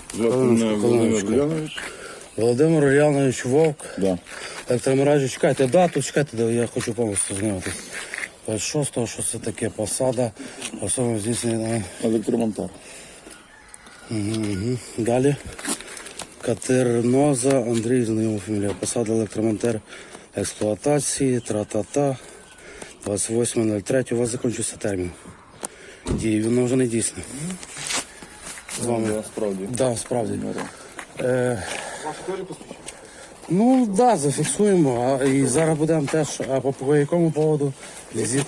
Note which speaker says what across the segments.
Speaker 1: Володимир Ульянович Вовк.
Speaker 2: Да.
Speaker 1: Електромережі, чекайте дату, чекайте, я хочу повністю знімати. 26-го, що це таке, посада, особливо здійснення.
Speaker 2: Електромонтар.
Speaker 1: Далі. Катерноза Андрій, знайома фамілія. Посада електромонтер експлуатації, тра-та-та. 28.03. У вас закінчився термін дії, воно вже не дійсне. З вами.
Speaker 2: Справді.
Speaker 1: Да, справді. Ну, так, да, зафіксуємо. І зараз будемо теж, а по якому поводу? Візит.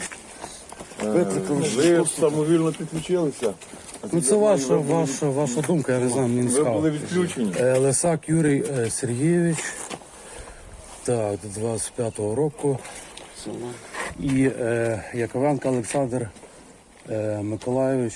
Speaker 2: Ви самовільно підключилися?
Speaker 1: Ну, це ваша думка, я не знаю, мені не
Speaker 2: Ви
Speaker 1: цікаво.
Speaker 2: були відключені?
Speaker 1: Лисак Юрій Сергійович, так, до 25-го року. І Яковенко Олександр Миколайович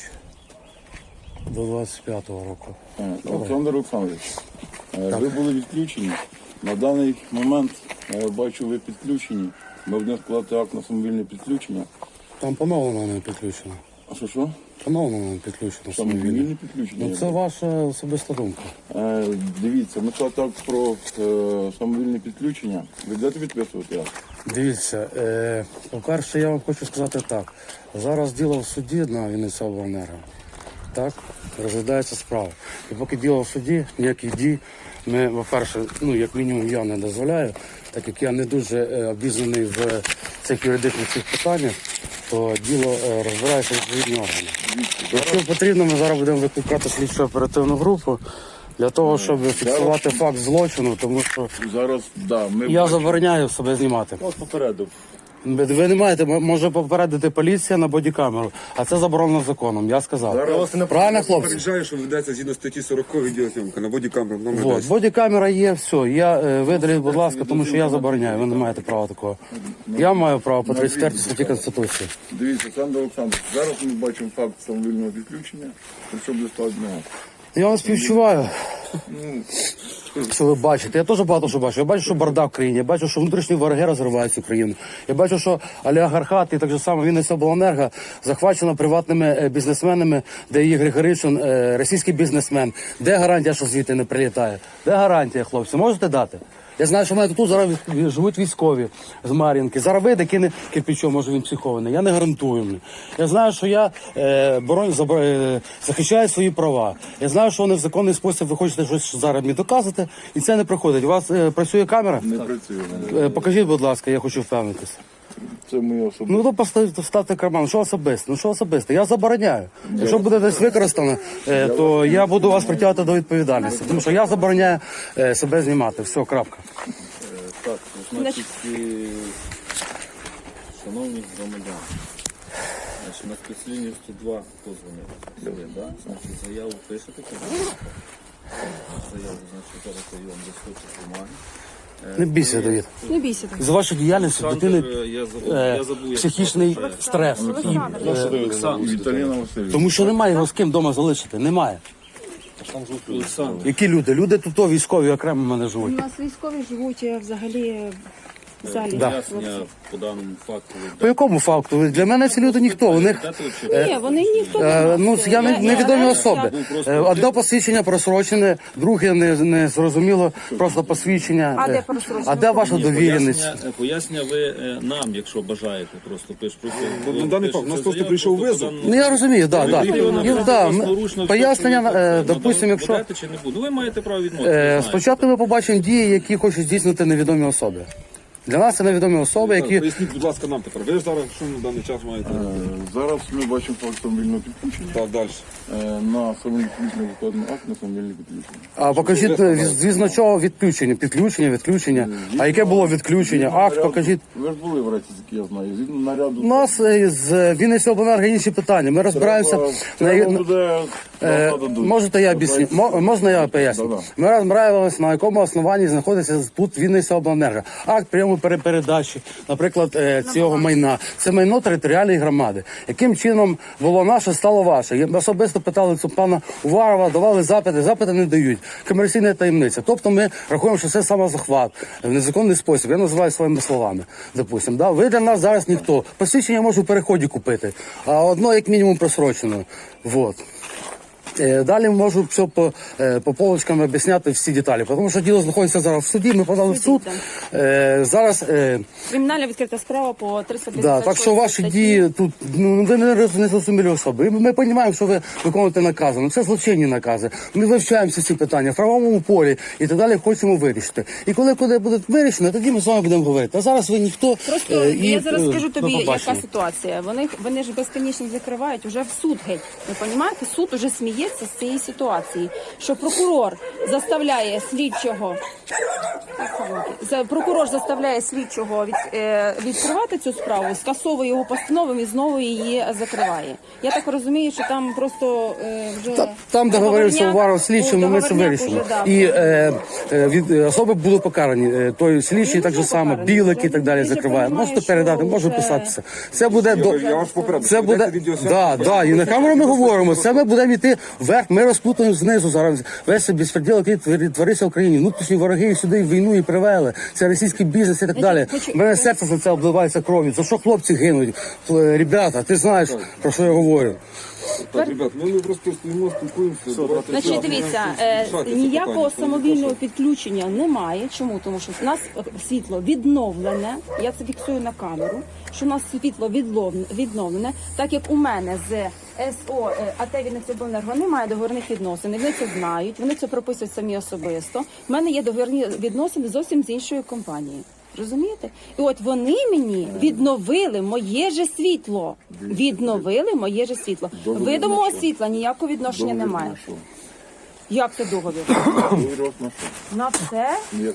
Speaker 1: до 25-го року.
Speaker 2: Олександр Олександрович, ви були відключені. На даний момент, я бачу, ви підключені. Ми будемо складати акт на самовільне підключення.
Speaker 1: Там поновлено не підключено.
Speaker 2: А що?
Speaker 1: Поновлено не підключено.
Speaker 2: Самовільне підключення?
Speaker 1: Ну, це ваша особиста думка.
Speaker 2: Дивіться, ми складати акт про самовільне підключення. Ви будете підписувати акт?
Speaker 1: Дивіться, по-перше, я вам хочу сказати так. Зараз діло в суді на Вінницяобленерго. Так, розглядається справа. І поки діло в суді, ніяких дій ми, по-перше, ну, як мінімум, я не дозволяю, так як я не дуже обізнаний в цих юридичних цих питаннях, то діло розбирається відповідні органи. Якщо потрібно, ми зараз будемо викликати слідчо оперативну групу для того, щоб фіксувати факт злочину, тому що
Speaker 2: Зараз, да, ми...
Speaker 1: я забороняю себе знімати.
Speaker 2: Вас попередив.
Speaker 1: Ви не маєте, може попередити поліція на бодікамеру, а це заборонено законом, я сказав. Правильно, хлопці?
Speaker 3: Попереджаю, що ведеться згідно статті 40 відеозйомка на бодікамеру.
Speaker 1: Вот, бодікамера є, все. Я видаліть, будь ласка, тому що я забороняю, ви не маєте права такого. Я маю право по 34 статті Конституції.
Speaker 2: Дивіться, Олександр Олександрович, зараз ми бачимо факт самовільного відключення, якщо буде складно.
Speaker 1: Я вас співчуваю. Що ви бачите? Я теж багато що бачу. Я бачу, що бардак в країні, я бачу, що внутрішні вороги розривають цю країну. Я бачу, що олігархат і так же само Вінницяобленерго захвачено приватними бізнесменами, де є Григоришин, російський бізнесмен. Де гарантія, що звідти не прилітає? Де гарантія, хлопці? Можете дати? Я знаю, що в мене тут зараз живуть військові з Мар'їнки. Зараз вийде, кине кирпичом, може він психований. Я не гарантую. Я знаю, що я захищаю свої права. Я знаю, що вони в законний спосіб ви хочете щось зараз мені доказати, і це не проходить. У вас працює камера?
Speaker 2: Не працює.
Speaker 1: Покажіть, будь ласка, я хочу впевнитися.
Speaker 2: Це моє особисте.
Speaker 1: Ну, то поставте карман. Що особисте? Ну, що особисте? Я забороняю. Якщо буде десь використано, то я буду вас притягувати до відповідальності. Тому що я забороняю себе знімати. Все, крапка.
Speaker 4: Так, значить, шановні громадяни, значить, на спецлінію 102 позвонив, да? Значить, заяву пишете, заяву, значить, зараз я вам достатньо бумаги.
Speaker 1: Не бійся, Давид.
Speaker 5: Не бійся так.
Speaker 1: З вашої діяльності дитини
Speaker 4: Я забув, як
Speaker 1: психічний стрес.
Speaker 2: Віталіна Васильівна.
Speaker 1: Тому що немає його з ким вдома залишити. Немає.
Speaker 4: Олександр.
Speaker 1: Які люди? Люди тут військові окремо в мене
Speaker 5: У
Speaker 1: живуть.
Speaker 5: нас військові живуть взагалі в залі.
Speaker 4: Пояснення по даному факту.
Speaker 1: По якому факту? Для мене ці люди ніхто. У них
Speaker 5: Ні, вони ніхто не
Speaker 1: ну, я невідомі особи. Одне посвідчення просрочене, друге не зрозуміло, просто посвідчення.
Speaker 5: А де просрочене?
Speaker 1: А де ваша довіреність?
Speaker 4: Пояснення ви нам, якщо бажаєте, просто пишете.
Speaker 3: На даний факт, у нас просто прийшов визов.
Speaker 1: Ну я розумію, так. Пояснення, допустимо, якщо
Speaker 4: Чи не буде? Ви маєте право відмовитися.
Speaker 1: спочатку ми побачимо дії, які хочуть здійснити невідомі особи. Для нас це невідомі особи, які...
Speaker 3: Поясніть, будь ласка, нам тепер. Ви ж зараз, що на даний час маєте?
Speaker 2: Зараз ми бачимо факт самовільного підключення.
Speaker 3: Так, далі.
Speaker 2: На самовільне підключення викладено акт на самовільне підключення.
Speaker 1: А покажіть, звісно, чого відключення? Відключення. А яке було відключення? Акт покажіть.
Speaker 2: Ви ж були в Рецьці, я знаю. Згідно наряду...
Speaker 1: У нас з Вінницяобленерго інші питання. Ми розбираємося... Можете я об'ясню? Можна я поясню? Ми розбираємося, на якому основанні знаходиться тут Вінницяобленерго. Акт прийому передачі, наприклад, цього майна. Це майно територіальної громади. Яким чином було наше, стало ваше? Ми особисто питали цю пана Уварова, давали запити не дають. Комерційна таємниця. Тобто ми рахуємо, що це самозахват в незаконний спосіб. Я називаю своїми словами, допустимо. Да? Ви для нас зараз ніхто. Посвідчення можу в переході купити, а одно як мінімум просрочено. Вот. Далі можу все по полочкам об'ясняти всі деталі, тому що діло знаходиться зараз в суді, ми подали в суд. Зараз
Speaker 5: Кримінальна відкрита справа по 356
Speaker 1: да, так що ваші
Speaker 5: статті.
Speaker 1: дії тут, ну ви не зрозумілі особи. Ми розуміємо, що ви виконуєте накази, ну це злочинні накази. Ми вивчаємо всі ці питання в правовому полі і так далі хочемо вирішити. І коли буде вирішено, тоді ми з вами будемо говорити. А зараз ви ніхто.
Speaker 5: Просто я зараз скажу
Speaker 1: до
Speaker 5: тобі, яка
Speaker 1: побачення.
Speaker 5: ситуація. Вони ж безконечно закривають уже в суд геть. Ви розумієте? Суд уже сміється з цієї ситуації, що прокурор заставляє слідчого відкривати цю справу, скасовує його постанову і знову її закриває. Я так розумію, що там просто вже
Speaker 1: Там договорився
Speaker 5: договорняк-
Speaker 1: Уваров з слідчим, ми це
Speaker 5: договорняк
Speaker 1: вирішимо.
Speaker 5: уже, да,
Speaker 1: І від особи будуть покарані. Той слідчий так же само,
Speaker 5: покарані.
Speaker 1: білик і так далі
Speaker 5: Ти ж
Speaker 1: закриває.
Speaker 5: розумієш,
Speaker 1: Можете передати,
Speaker 5: що
Speaker 1: можу
Speaker 5: вже-
Speaker 1: писатися. Це буде до
Speaker 3: Я вас попередив,
Speaker 1: це буде да, і на камеру ми говоримо. Це ми будемо йти вверх. Ми розплутаємо знизу зараз. Весь безпреділ, який твориться в Україні. Внутрішні вороги сюди війну і привели. Це російський бізнес і так далі. У мене серце за це обливається кров'ю. За що хлопці гинуть? Ребята, ти знаєш про що я говорю?
Speaker 3: Так, ребят, ми просто стоїмо, спілкуємося.
Speaker 5: Значить, дивіться, ніякого самовільного підключення немає. Чому? Тому що в нас світло відновлене. Я це фіксую на камеру. Що у нас світло відновлене, так як у мене з СО АТ Вінницяобленерго немає договірних відносин. Вони це знають, вони це прописують самі особисто. У мене є договірні відносини зовсім з іншою компанією. Розумієте? І от вони мені відновили моє же світло. Відновили моє же світло. Ви до мого світла ніякого відношення немає. Як це договір? На все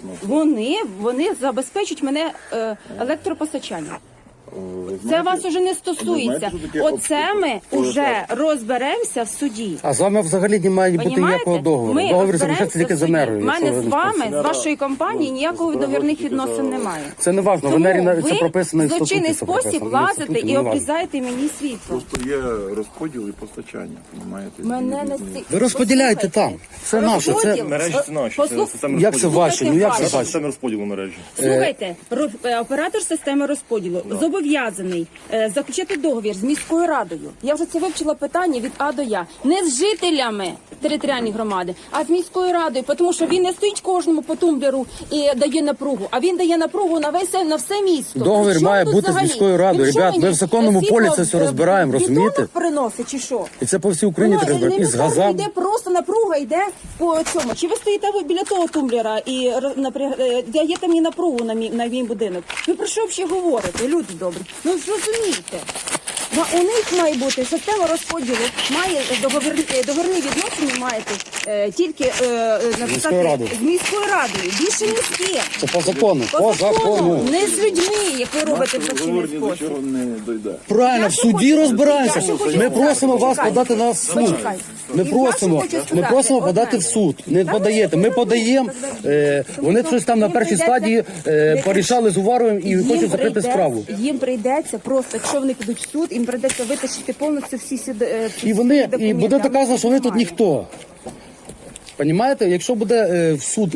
Speaker 5: вони забезпечують мене електропостачанням. Це вас уже не стосується. Оце ми вже розберемося в суді.
Speaker 1: А з вами взагалі немає бути
Speaker 5: Понімаєте?
Speaker 1: ніякого договору.
Speaker 5: Ми
Speaker 1: Договір
Speaker 5: розберемося
Speaker 1: залишається тільки
Speaker 5: в
Speaker 1: з
Speaker 5: суді.
Speaker 1: Енергою.
Speaker 5: У мене
Speaker 1: якщо ви
Speaker 5: з
Speaker 1: не
Speaker 5: вами,
Speaker 1: в курсі.
Speaker 5: з вашої компанії ніякого договірних відносин немає.
Speaker 1: Це не важливо. В
Speaker 5: Тому
Speaker 1: Енері це
Speaker 5: ви
Speaker 1: прописано і в
Speaker 5: в злочинний
Speaker 1: статуті. це
Speaker 5: спосіб
Speaker 1: прописано. В
Speaker 5: лазите
Speaker 1: статуті,
Speaker 5: і
Speaker 1: не важливо.
Speaker 5: обрізаєте мені світло.
Speaker 2: Просто є розподіл і постачання, розумієте?
Speaker 5: Мене не
Speaker 1: Ви розподіляєте там. Це наше. Це
Speaker 5: Розподіл.
Speaker 6: Мережі це наші, це
Speaker 5: Послух-
Speaker 6: система
Speaker 1: як це ваші? Ну як це
Speaker 5: Слухайте,
Speaker 1: ваші?
Speaker 6: система розподілу мережі.
Speaker 5: Слухайте, оператор системи розподілу зобов'язаний заключити договір з міською радою. Я вже це вивчила питання від А до Я. Не з жителями територіальної громади, а з міською радою, тому що він не стоїть кожному по тумблеру і дає напругу, а він дає напругу на все місто.
Speaker 1: Договір
Speaker 5: При чому
Speaker 1: має
Speaker 5: тут
Speaker 1: бути з
Speaker 5: взагалі?
Speaker 1: міською радою.
Speaker 5: Він що
Speaker 1: Ребят, ми
Speaker 5: мені,
Speaker 1: в законному
Speaker 5: світло
Speaker 1: полі це все розбираємо,
Speaker 5: в бетонах
Speaker 1: розумієте?
Speaker 5: приносить чи що?
Speaker 1: І це по всій Україні
Speaker 5: Воно
Speaker 1: так розбираємо. І з газами.
Speaker 5: йде просто напруга, йде по цьому. Чи ви стоїте ви біля того тумблера і даєте мені напругу на мій будинок? Ви про що взагалі говорите, люди добрі? Ну зрозумійте. У них має бути система розподілу, має договірні відносини маєте тільки написати
Speaker 1: радою.
Speaker 5: з міською радою. Більше ні з ким.
Speaker 1: Це по закону. По закону.
Speaker 5: Не з людьми, як ви робите в
Speaker 2: Договор
Speaker 5: злочинний
Speaker 2: ні до
Speaker 5: спосіб.
Speaker 2: чого не дойде.
Speaker 1: Правильно,
Speaker 5: Я
Speaker 1: в
Speaker 5: що
Speaker 1: суді
Speaker 5: хочу
Speaker 1: розбираємося.
Speaker 5: сказати? Я що хочу
Speaker 1: Ми
Speaker 5: сказати?
Speaker 1: просимо вас
Speaker 5: Почекайте.
Speaker 1: подати на нас в суд.
Speaker 5: Почекайте.
Speaker 1: Ми
Speaker 5: Я
Speaker 1: просимо,
Speaker 5: що хочу
Speaker 1: ми
Speaker 5: сказати?
Speaker 1: просимо
Speaker 5: Одне.
Speaker 1: подати в суд. Не подаєте. Ми подаємо. Вони щось там на першій стадії порішали з Уваровим і хочуть закрити справу.
Speaker 5: Їм прийдеться просто, якщо вони підуть в суд, їм прийдеться витащити повністю всі
Speaker 1: І вони
Speaker 5: документи.
Speaker 1: і буде
Speaker 5: А в них
Speaker 1: доказано, що ви тут
Speaker 5: немає.
Speaker 1: ніхто. Понімаєте? Якщо буде в суд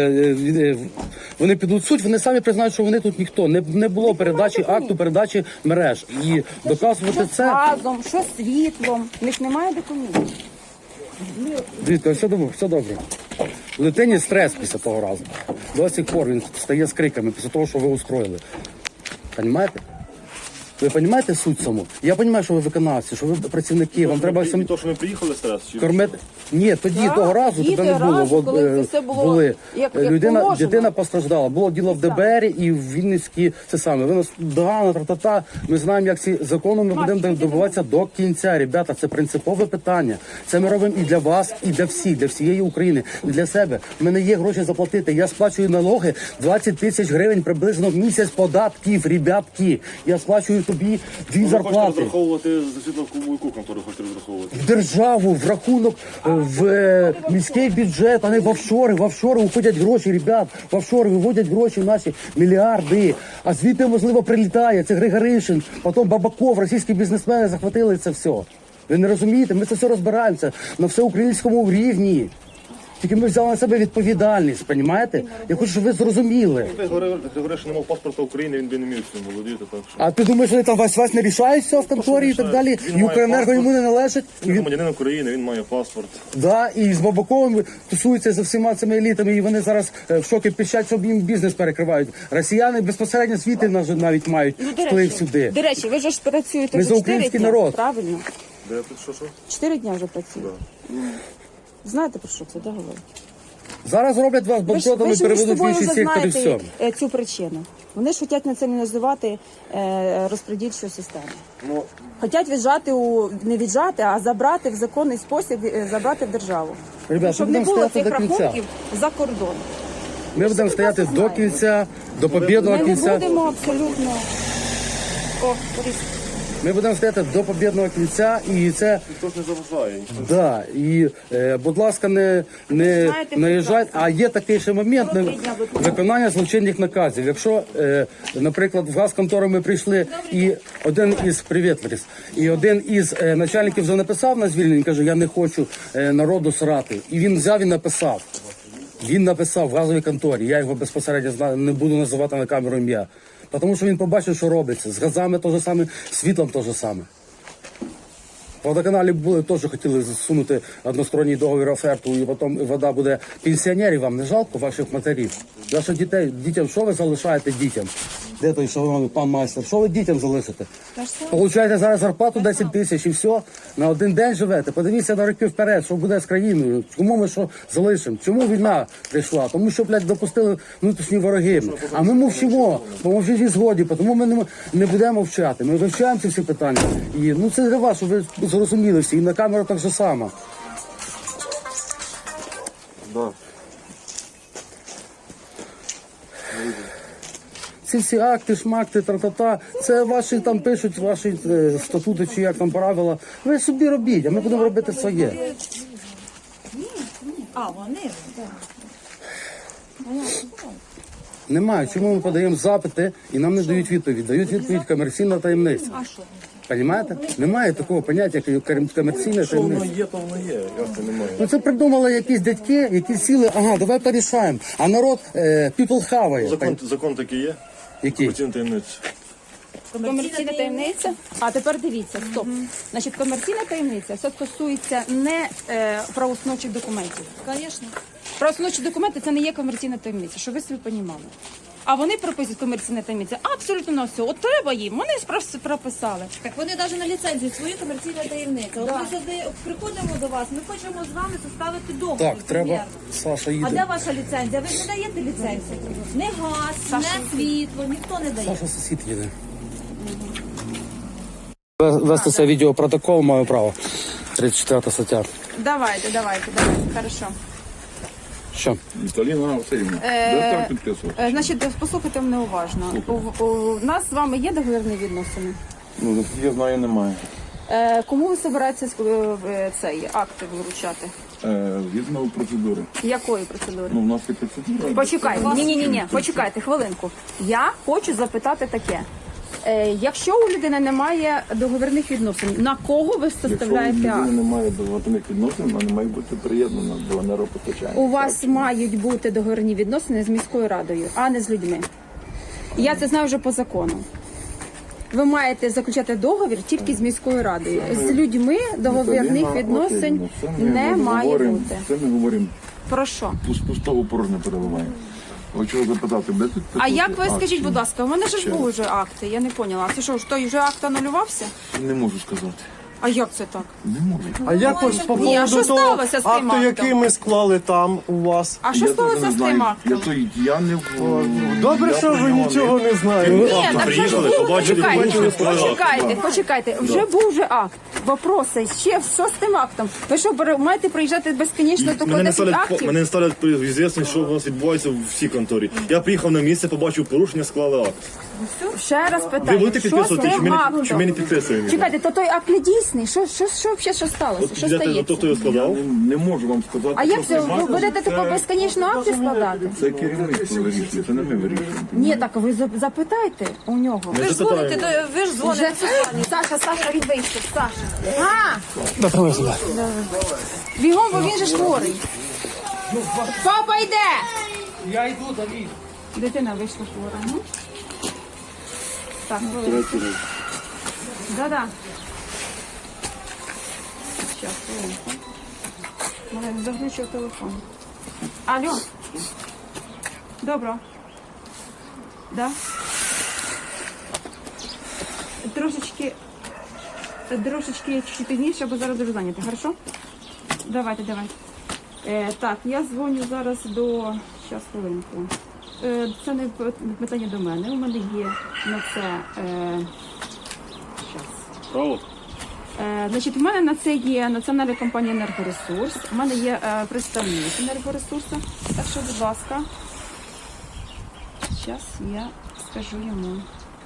Speaker 1: вони підуть в суд, вони самі признають, що вони тут ніхто. Не було передачі акту, передачі мереж. І доказувати
Speaker 5: Що з
Speaker 1: це.
Speaker 5: газом, що з світлом. В них немає документів.
Speaker 1: Дивіться, все добре. Дитині стрес після того разу. До сих пор він стає з криками після того, що ви устроїли. Понімаєте? Ви розумієте суть саму? Я розумію, що ви виконавці, що ви працівники, вам треба самі
Speaker 6: То, що ми приїхали зараз, чи
Speaker 1: кормити. Ні, тоді того разу тебе не було.
Speaker 5: разу,
Speaker 1: От,
Speaker 5: коли це все було
Speaker 1: були.
Speaker 5: як
Speaker 1: Людина,
Speaker 5: положено.
Speaker 1: дитина постраждала. Було діло в ДБР і в Вінницькій, це саме. Ви нас догано, тра-та-та. Ми знаємо, як ці закони ми будемо добиватися до кінця. Ребята, це принципове питання. Це ми робимо і для вас, і для всіх, для всієї України, і для себе. У мене є гроші заплатити. Я сплачую налоги 20 тисяч гривень приблизно в місяць податків, ребятки. Я сплачую тобі 2
Speaker 6: ви хочете
Speaker 1: зарплати.
Speaker 6: розраховувати за світло в яку контору хочете розраховувати?
Speaker 1: В державу, в рахунок, в міський бюджет, а не в офшори. В офшори уходять гроші, ребят. В офшори виводять гроші наші мільярди. А звідти, можливо, прилітає. Це Григоришин, потім Бабаков, російські бізнесмени захватили це все. Ви не розумієте? Ми це все розбираємося на всеукраїнському рівні. Тільки ми взяли на себе відповідальність, розумієте? Я хочу, щоб ви зрозуміли.
Speaker 6: Ти говориш, що не мав паспорта України, він би не міг цим володіти, так що.
Speaker 1: А ти думаєш, що там вас не рішають все в конторі і так далі?
Speaker 6: Він
Speaker 1: І
Speaker 6: має
Speaker 1: Укренерго
Speaker 6: паспорт.
Speaker 1: йому не належить? І
Speaker 6: Він
Speaker 1: він,
Speaker 6: громадянин України, він має паспорт.
Speaker 1: да, і з Бабаковим тусуються за всіма цими елітами, і вони зараз в шокі пищать, щоб їм бізнес перекривають. Росіяни безпосередньо світи навіть мають вплив сюди.
Speaker 5: До речі, ви ж працюєте
Speaker 1: Ми
Speaker 5: вже
Speaker 1: за
Speaker 5: 4
Speaker 1: український
Speaker 5: дня,
Speaker 1: народ.
Speaker 5: правильно?
Speaker 6: Де тут що?
Speaker 5: 4 дня вже працюєте. Знаєте, про що це, да, говорить?
Speaker 1: Зараз роблять вас
Speaker 5: Ви ж
Speaker 1: банкротами,
Speaker 5: між
Speaker 1: переведуть в
Speaker 5: собою
Speaker 1: інший
Speaker 5: вже
Speaker 1: сектор і все.
Speaker 5: знаєте цю причину. Вони ж хочуть націоналізувати розподільчу систему.
Speaker 6: Ну,
Speaker 5: Хочуть віджати не віджати, а забрати в законний спосіб, забрати в державу.
Speaker 1: Ребят,
Speaker 5: Щоб
Speaker 1: ми
Speaker 5: не
Speaker 1: будемо
Speaker 5: було
Speaker 1: стояти
Speaker 5: цих
Speaker 1: до кінця.
Speaker 5: рахунків за кордон.
Speaker 1: Ми будемо стояти до кінця, до побєдного
Speaker 5: Ми не
Speaker 1: кінця.
Speaker 5: будемо абсолютно. О, Борис.
Speaker 1: Ми будемо стояти до побєдного кінця, і це
Speaker 6: ніхто ж не заважає.
Speaker 1: да. І будь ласка, не
Speaker 5: Знаєте,
Speaker 1: наїжджайте. А є такий ще момент
Speaker 5: Добрий день, будь ласка.
Speaker 1: виконання злочинних наказів. Якщо, наприклад, в газконтору ми прийшли, і один із привіт, Ларис, і один із начальників вже написав на звільнення, каже, я не хочу народу срати. І він взяв і написав. Він написав в газовій конторі, я його безпосередньо знаю, не буду називати на камеру ім'я. Тому що він побачив, що робиться. З газами те ж саме, з світлом те ж саме. В водоканалі були, теж хотіли засунути односторонній договір оферту, і потім вода буде пенсіонерів, вам не жалко ваших матерів? Ваших дітей, дітям, що ви залишаєте дітям? Де той шановний пан майстер? Що ви дітям залишите? Получаєте зараз зарплату 10 тисяч і все, на один день живете. Подивіться на роки вперед, що буде з країною. Кому ми що залишимо? Чому війна прийшла? Тому що, блядь, допустили внутрішні вороги. А ми мовчимо, бо ми вже зі згоді, тому ми не будемо мовчати. Ми вивчаємо ці всі питання. І це для вас, щоб ви зрозуміли всі. І на камеру так же само.
Speaker 6: Да.
Speaker 1: Ці всі акти, шмакти, тра-та-та, це ваші там пишуть, ваші статути чи як там правила. Ви собі робіть, а ми будемо робити своє.
Speaker 7: А, вони?
Speaker 1: Немає. Чому ми подаємо запити і нам не дають відповідь? Дають відповідь комерційна таємниця. Понімаєте? Немає такого поняття, як комерційна
Speaker 6: Що воно
Speaker 1: таємниця.
Speaker 6: є, то воно є. Як це немає?
Speaker 1: Ну це придумали якісь дядьки, які сіли, ага, давай порішаємо. А народ people хаває.
Speaker 6: Закон такий є?
Speaker 1: Який?
Speaker 6: Комерційна таємниця.
Speaker 5: Комерційна таємниця. А тепер дивіться, стоп. Значить, комерційна таємниця все стосується не правоустановчих документів.
Speaker 7: Звісно.
Speaker 5: Правоустановчі документи це не є комерційна таємниця, щоб ви собі понімали. А вони прописують комерційна таємниця абсолютно на все. От треба їм, вони прописали.
Speaker 7: Так вони навіть на ліцензії свою комерційну таємницю. От ми сюди приходимо до вас, ми хочемо з вами составити договір.
Speaker 1: Так, треба,
Speaker 7: примірно.
Speaker 1: Саша
Speaker 7: А
Speaker 1: їде.
Speaker 7: де ваша ліцензія? Ви ж не даєте ліцензію. Не газ, не світло, ніхто не дає.
Speaker 1: Саша сусід їде. Вести це відеопротокол маю право. 34 стаття.
Speaker 5: Давайте, хорошо.
Speaker 1: Що?
Speaker 2: Віталіна Васильівна, де так підписувати?
Speaker 5: Значить, послухайте мене уважно. У нас з вами є договірні відносини.
Speaker 2: Ну, наскільки я знаю, немає.
Speaker 5: Кому ви збираєтеся цей акти виручати?
Speaker 2: Згідно процедури.
Speaker 5: Якої процедури?
Speaker 2: Ну, в нас є процедура.
Speaker 5: Почекайте, ні, почекайте хвилинку. Я хочу запитати таке. Якщо у людини немає договірних відносин, на кого ви
Speaker 2: Якщо у
Speaker 5: составляєте
Speaker 2: людини
Speaker 5: акт?
Speaker 2: немає договорних відносин, вона не має бути приєднана до енергопостачання.
Speaker 5: У вас мають бути договірні відносини з міською радою, а не з людьми. Я це знаю вже по закону. Ви маєте заключати договір тільки з міською радою. З людьми договірних відносин не має бути.
Speaker 2: Це ми говоримо,
Speaker 5: Про що?
Speaker 2: пустого порожнє переливаємо. Хочу запитати, де тут
Speaker 5: А як ви
Speaker 2: акт?
Speaker 5: скажіть, будь ласка, у мене ж
Speaker 2: Ще
Speaker 5: були вже акти, я не поняла. Це що, ж той вже акт анулювався?
Speaker 2: Не можу сказати.
Speaker 5: А як це так?
Speaker 2: Не можу.
Speaker 8: А як ось по
Speaker 5: Ні, а що
Speaker 8: поводу того
Speaker 5: сталося з тим
Speaker 8: акту,
Speaker 5: актом?
Speaker 8: який ми склали там у вас?
Speaker 5: А що
Speaker 2: Я
Speaker 5: сталося
Speaker 2: теж
Speaker 5: з
Speaker 2: не
Speaker 5: тим
Speaker 2: знаю.
Speaker 5: актом?
Speaker 2: Я не
Speaker 8: Добре,
Speaker 2: я
Speaker 8: що
Speaker 2: про
Speaker 8: ви
Speaker 2: нього
Speaker 8: нічого не знаєте.
Speaker 5: Ні, так що ж
Speaker 6: приїхали,
Speaker 5: було?
Speaker 6: побачили,
Speaker 5: Почекайте. Вже був же акт. Вопроси, ще що з тим актом? Ви що, маєте приїжджати безконечно тільки
Speaker 6: Мене
Speaker 5: 10 актів?
Speaker 6: не ставлять звісно, що у вас відбувається в всій конторі. Я приїхав на місце, побачив порушення, склали акт.
Speaker 5: Ще раз
Speaker 6: Ви
Speaker 5: питаю,
Speaker 6: будете
Speaker 5: що з
Speaker 6: підписувати, чи
Speaker 5: тим
Speaker 6: ми не
Speaker 5: актом?
Speaker 6: підписуємо?
Speaker 5: Чекайте, то той акт не дійсний. Що сталося? Що стається?
Speaker 6: Хто його складав?
Speaker 2: не можу вам сказати.
Speaker 5: А як
Speaker 2: що
Speaker 5: це? Ви будете тако безконечно акти складати?
Speaker 2: це керівництво вирішує, це не ми вирішуємо.
Speaker 5: Ні, так ви запитайте у нього.
Speaker 7: Ви ж дзвоните, ви ж дзвоните.
Speaker 5: Саша, він вийшов. Саша. Бігом, бо він же ж хворий. Папа йде!
Speaker 8: Я йду, Давід.
Speaker 5: Дитина вийшла хвора. Ну. Так,
Speaker 2: Третій раз.
Speaker 5: да-да. Щас, хвилинку. Малий, заглючив телефон. Алло. Добро. Да? Трошечки чуть пізніше, бо зараз дуже зайнята, хорошо? Давайте. Так, я дзвоню зараз до... Щас, хвилинку. Це не питання до мене. У мене є на це... Щас.
Speaker 6: Право?
Speaker 5: Значить, у мене на це є національна компанія «Енергоресурс», у мене є представник «Енергоресурсу». Так що, будь ласка, зараз я скажу йому.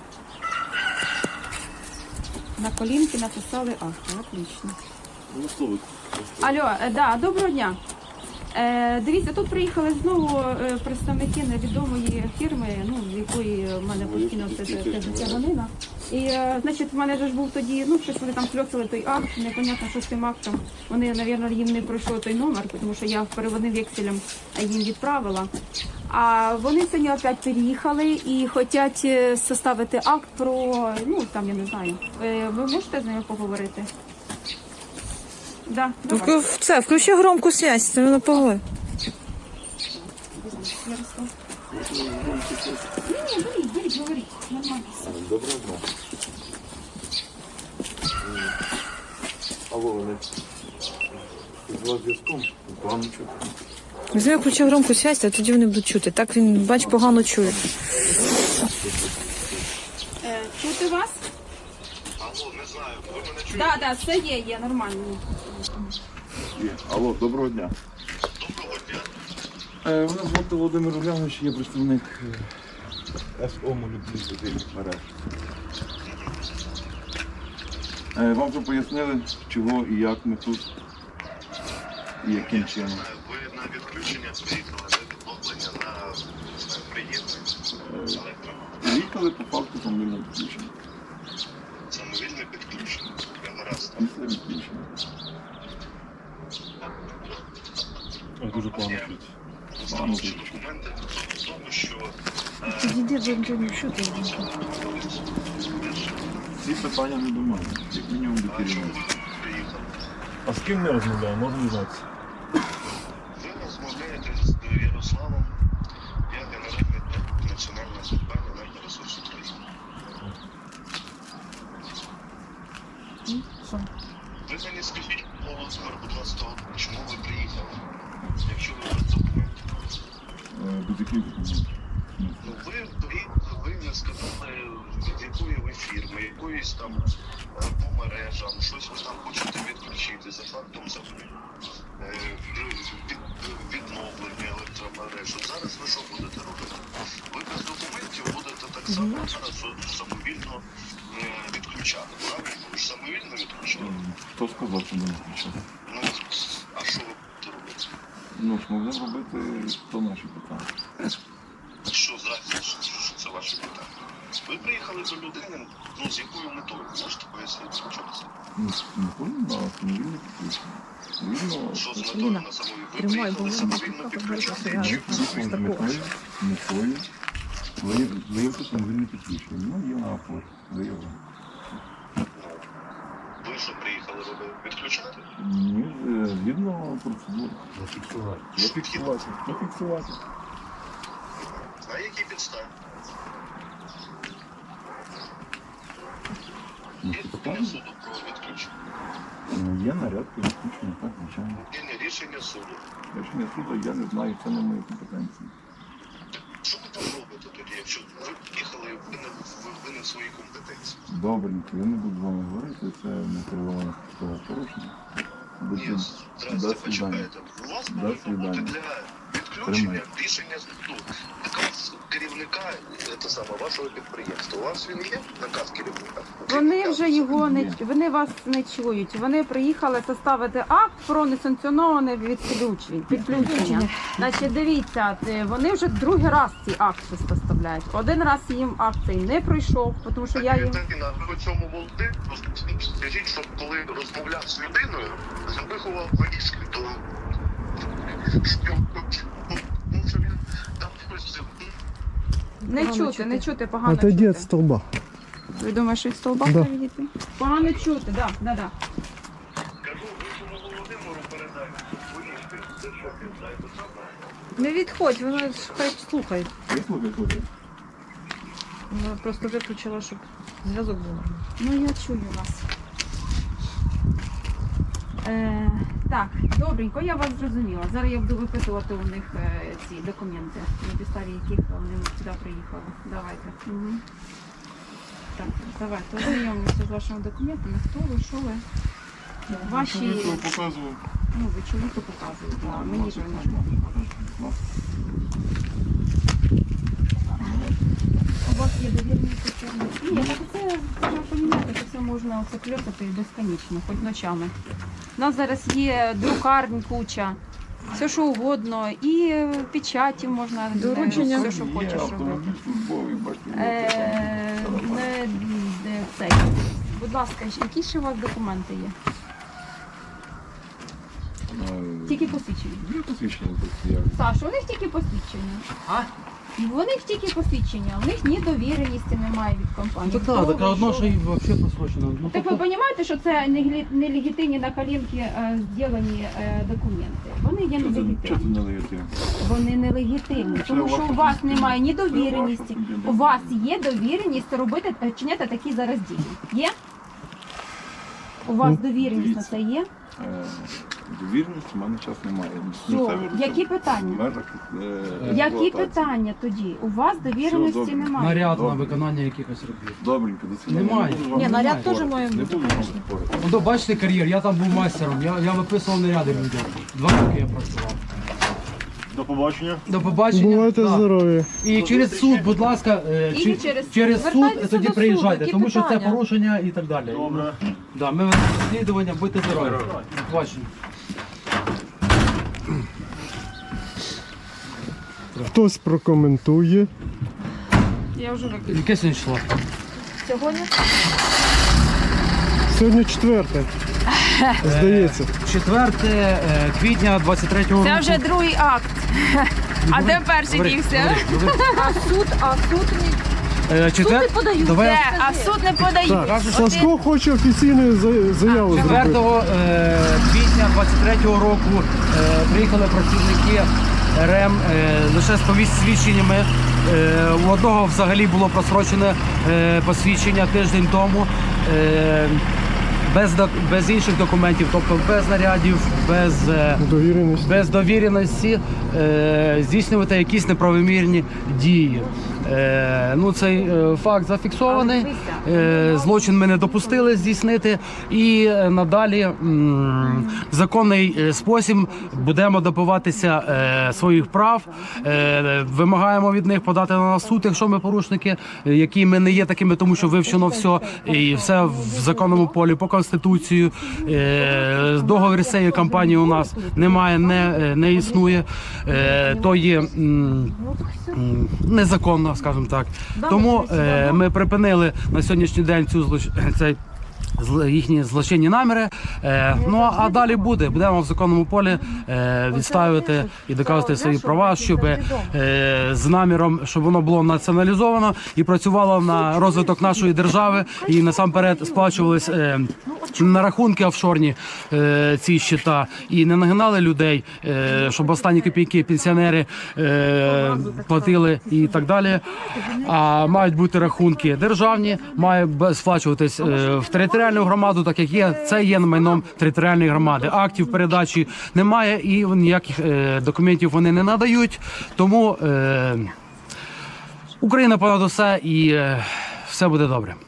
Speaker 5: На колінки написали акт. Отлично.
Speaker 6: Ну, слово.
Speaker 5: Алло, да, доброго дня. Дивіться, тут приїхали знову представники невідомої фірми, ну, з якої в мене постійно ця ганина. І, значить, в мене ж був тоді, ну, щось вони там кльоцали той акт, непонятно, що з тим актом. Вони, мабуть, їм не пройшло той номер, тому що я переводним векселем їм відправила. А вони сьогодні опять переїхали і хочуть составити акт про, ну, там, я не знаю. Ви можете з ними поговорити? Да, давай.
Speaker 9: Це, включи громку связь, це на погоди.
Speaker 5: Ярослав. Беріть, говоріть, нормально.
Speaker 2: Доброго дня. Алло, вони з вас зв'язком? Погано чути.
Speaker 9: Візьми, включи громку связь, а тоді вони будуть чути. Так він, бач, погано чує.
Speaker 5: Чути вас?
Speaker 2: Алло, не знаю, ви мене чуєте?
Speaker 5: Так, да, все є, нормально.
Speaker 2: Алло, доброго дня. Доброго дня. Мене звати Володимир Улянович, я представник СО «Молюбні мереж». Вам вже пояснили, чого і як ми тут, і яким чином.
Speaker 10: Ви на відключення приїхали, на відновлення, на приєднання.
Speaker 2: Приїхали по факту самовільного підключення.
Speaker 10: Самовільне підключення. Я гаразд.
Speaker 2: Після відключення.
Speaker 6: Дуже погано чути.
Speaker 10: Встановчі документи в тому, що
Speaker 9: Підійди, бо не чути.
Speaker 2: Ці питання не до мене, як мінімум до керівництва.
Speaker 10: приїхали.
Speaker 6: А з ким ми розмовляємо? Можна дізнатися?
Speaker 10: Ви розмовляєте з Ярославом, я генеральний директор Національної компанії «Енергоресурс України». Ви мені скажіть, Володимир, будь ласка, чому ви приїхали? Якщо ви без документів.
Speaker 2: Без яких документів?
Speaker 10: Ну, ви не сказали, від якої ви фірми, якоїсь там по мережам, щось ви там хочете відключити за фактом відновлення електромереж. От зараз ви що будете робити? Ви без документів будете так само зараз самовільно відключати, правильно? Ви ж самовільно відключали?
Speaker 2: Хто сказав, що не відключати?
Speaker 10: Ну, а що ви будете робити?
Speaker 2: Ну, ж могли робити, то наші питання.
Speaker 10: Що зразу, що це ваше питання? Ви приїхали до людини, ну, з якою метою? Можете пояснити, що це?
Speaker 2: Не повинно на самовільне підключення. Вільно,
Speaker 10: Що з метою на самовільне? Ви приїхали самовільно підключати? Чи
Speaker 2: метою виявити самовільне підключення. Ну, є на оплаті, виявлено.
Speaker 10: ви що приїхали робити? Відключати?
Speaker 2: Ні, згідно процедури. Зафіксувати. Зафіксувати.
Speaker 10: На якій підставі?
Speaker 2: Ну,
Speaker 10: Є
Speaker 2: це
Speaker 10: рішення
Speaker 2: питання.
Speaker 10: суду про відключення?
Speaker 2: Є наряд про відключення, так, звичайно.
Speaker 10: Є не рішення суду.
Speaker 2: Рішення суду я не знаю, це не мої компетенції.
Speaker 10: Що ви там робите тоді, якщо ви приїхали, ви не в своїй компетенції?
Speaker 2: Добренько, я не буду з вами говорити, це не кероване порушення.
Speaker 10: Ні, здрасте, почекайте. У вас повинно бути для відключення рішення суду. Наказ керівника вашого підприємства. У вас він є, наказ керівника?
Speaker 5: Вони вже його не вони вас не чують. Вони приїхали составити акт про несанкціоноване підключення. Значить, дивіться, вони вже другий раз ці акти составляють. Один раз їм акт цей не пройшов, тому що я їм...
Speaker 10: Ви цьому молоді, скажіть, що коли розмовляв з людиною, виховав вирішки, то
Speaker 5: Не чути, не чути, погано
Speaker 11: Отойди
Speaker 5: чути.
Speaker 11: від столба.
Speaker 5: Ви думаєте, що від столба
Speaker 11: Да.
Speaker 5: треба відійти? Погано чути, так, да, да.
Speaker 9: Не відходь, воно хай слухай.
Speaker 2: Я слухаю.
Speaker 9: Вона просто виключила, щоб зв'язок був.
Speaker 5: Ну, я чую вас. Так, добренько, я вас зрозуміла. Зараз я буду випитувати у них ці документи, на підставі яких вони сюди приїхали. Давайте. Угу. Так, давайте ознайомимося з вашими документами. Хто ви, що ви? Ваші...
Speaker 2: Показував.
Speaker 5: Ну, ви чоловіку показуєте, а мені ж ви не можете. У вас є довірені системи? Ні, так це треба розуміти, що це можна оце кльопати безконечно, хоч ночами. У нас зараз є друкарень куча, все що угодно, і печаті можна,
Speaker 9: Доручення.
Speaker 5: все що
Speaker 2: Є
Speaker 5: хочеш робити.
Speaker 2: автомобіль службовий, бачите.
Speaker 5: Не цей. Будь ласка, які ще у вас документи є? Тільки посвідчення.
Speaker 2: Є посвідчення тут. Я
Speaker 5: Саша, у них тільки посвідчення.
Speaker 8: А?
Speaker 5: У них тільки посвідчення, у них ні довіреності немає від компанії.
Speaker 1: Так, так, так, одно, що і взагалі просрочено. Ну,
Speaker 5: Так ви розумієте, що це нелегітимні на коленки зроблені документи? Вони є
Speaker 2: Чого це
Speaker 5: нелегітимні.
Speaker 2: нелегітимно?
Speaker 5: Вони нелегітимні, тому що у вас немає ні довіреності. У вас є довіреність робити, чиняти такі зараз дії. Є? У вас довіреність на це є?
Speaker 2: Довіреності в мене час немає.
Speaker 5: Все. Які питання? Які питання тоді? У вас довіреності
Speaker 2: добре.
Speaker 5: немає.
Speaker 1: наряд на виконання якихось робіт.
Speaker 2: Добренько, до свидання.
Speaker 1: Немає.
Speaker 2: Не буду вам
Speaker 9: Ні, наряд
Speaker 2: спорити.
Speaker 9: теж має
Speaker 2: Не
Speaker 9: бути,
Speaker 2: буду вам спорити.
Speaker 1: Ну, бачите кар'єр, я там був майстером, я виписував наряди людям. 2 роки я працював.
Speaker 6: До побачення.
Speaker 1: До побачення.
Speaker 11: Бувайте
Speaker 1: Да.
Speaker 11: здорові.
Speaker 1: І через суд, будь ласка,
Speaker 5: І через суд.
Speaker 1: через суд
Speaker 9: Звертайтеся
Speaker 1: тоді
Speaker 9: до суду,
Speaker 1: приїжджайте,
Speaker 9: які
Speaker 1: тому що це
Speaker 9: питання?
Speaker 1: порушення і так далі.
Speaker 6: Добре.
Speaker 1: Да, ми ведемо розслідування, будьте здорові. До побачення.
Speaker 11: Хтось прокоментує.
Speaker 5: Я вже викликала.
Speaker 1: Яке сьогодні число?
Speaker 5: Сьогодні?
Speaker 11: Сьогодні 4. Здається.
Speaker 1: 4 квітня 23-го року.
Speaker 5: Це вже другий акт. А де перший
Speaker 1: Говори,
Speaker 5: дівся?
Speaker 1: говори.
Speaker 9: А суд
Speaker 1: Четвер...
Speaker 9: подають.
Speaker 1: Давай
Speaker 5: Де? А в суд не подають.
Speaker 11: Так, Сашко хоче офіційну заяву
Speaker 1: 4
Speaker 11: зробити.
Speaker 1: квітня 23-го року приїхали працівники РЕМ лише з посвідченнями. У одного взагалі було просрочене посвідчення тиждень тому. Без інших документів, тобто без нарядів,
Speaker 11: Довіреність.
Speaker 1: без довіреності здійснювати якісь неправомірні дії. Ну, цей факт зафіксований, злочин ми не допустили здійснити і надалі в законний спосіб будемо добиватися своїх прав, вимагаємо від них подати на нас суд, якщо ми порушники, які ми не є такими, тому що вивчено все і все в законному полі по Конституцію. Договір з цією компанією у нас немає, не існує, то є незаконно, скажімо так. Тому ми припинили на сьогоднішній день їхні злочинні наміри. Ну а далі будемо в законному полі відстоювати і доказувати свої права, щоб з наміром, щоб воно було націоналізовано і працювало на розвиток нашої держави, і насамперед сплачувались на рахунки офшорні ці щита, і не нагинали людей, щоб останні копійки пенсіонери платили і так далі. А мають бути рахунки державні, має сплачуватись в територіальну громаду, так як є, це є майном територіальної громади. Актів передачі немає і ніяких документів вони не надають. Тому Україна понад усе і все буде добре.